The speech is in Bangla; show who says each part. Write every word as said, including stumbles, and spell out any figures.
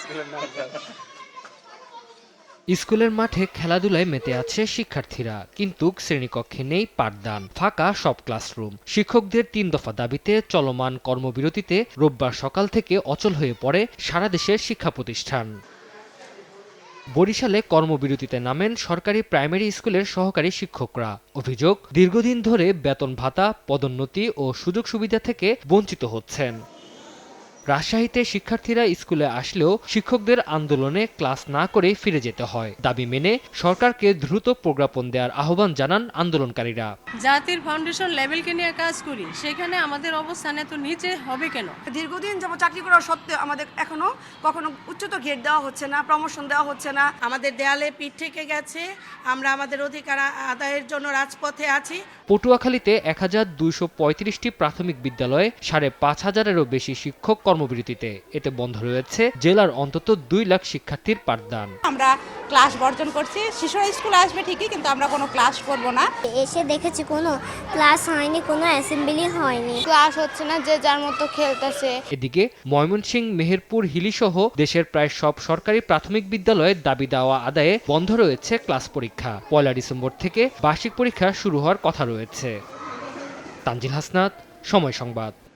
Speaker 1: স্কুলের মাঠে খেলাধুলায় মেতে আছে শিক্ষার্থীরা, কিন্তু শ্রেণীকক্ষে নেই পাঠদান, ফাঁকা সব ক্লাসরুম। শিক্ষকদের তিন দফা দাবিতে চলমান কর্মবিরতিতে রোববার সকাল থেকে অচল হয়ে পড়ে সারা দেশের শিক্ষা প্রতিষ্ঠান। বরিশালে কর্মবিরতিতে নামেন সরকারি প্রাইমারি স্কুলের সহকারী শিক্ষকরা। অভিযোগ, দীর্ঘদিন ধরে বেতন ভাতা, পদোন্নতি ও সুযোগ সুবিধা থেকে বঞ্চিত হচ্ছেন। রাজশাহীতে শিক্ষার্থীরা স্কুলে আসলেও শিক্ষকদের আন্দোলনে ক্লাস না করে ফিরে যেতে হয়। দাবি মেনে সরকারকে দ্রুত প্রজ্ঞাপন দেওয়ার আহ্বান জানান আন্দোলনকারীরা।
Speaker 2: জাতির ফাউন্ডেশন লেভেলকে নিয়ে কাজ করি, সেখানে আমাদের অবস্থান এত নিচে হবে কেন?
Speaker 3: দীর্ঘদিন যাবত চাকরি করার সত্ত্বেও আমাদের এখনো কখনো উচ্চতর গ্রেড দেওয়া হচ্ছে না, প্রমোশন দেওয়া হচ্ছে না।
Speaker 4: আমাদের দেয়ালে পিঠ থেকে গেছে, আমরা আমাদের অধিকার আদায়ের জন্য রাজপথে আছি।
Speaker 1: পটুয়াখালীতে এক হাজার দুইশো পঁয়ত্রিশটি প্রাথমিক বিদ্যালয়ে সাড়ে পাঁচ হাজারেরও বেশি শিক্ষক কর্মবিরতিতে। এতে বন্ধ রয়েছে জেলার অন্তত দুই লাখ শিক্ষার্থীর পাঠদান।
Speaker 5: আমরা ক্লাস বর্জন করছি, শিশুরা স্কুলে আসবে ঠিকই, কিন্তু আমরা কোনো ক্লাস করব না।
Speaker 6: এসে দেখেছি কোনো ক্লাস হয়নি, কোনো অ্যাসেম্বলি হয়নি,
Speaker 7: ক্লাস হচ্ছে না, যে যার মতো খেলতেছে।
Speaker 1: এদিকে ময়মনসিংহ, মেহেরপুর, হিলিসহ দেশের প্রায় সব সরকারি প্রাথমিক বিদ্যালয়ের দাবি দেওয়া আদায়ে বন্ধ রয়েছে ক্লাস পরীক্ষা। পয়লা ডিসেম্বর থেকে বার্ষিক পরীক্ষা শুরু হওয়ার কথা রয়েছে। তানজিল হাসনাত, সময় সংবাদ।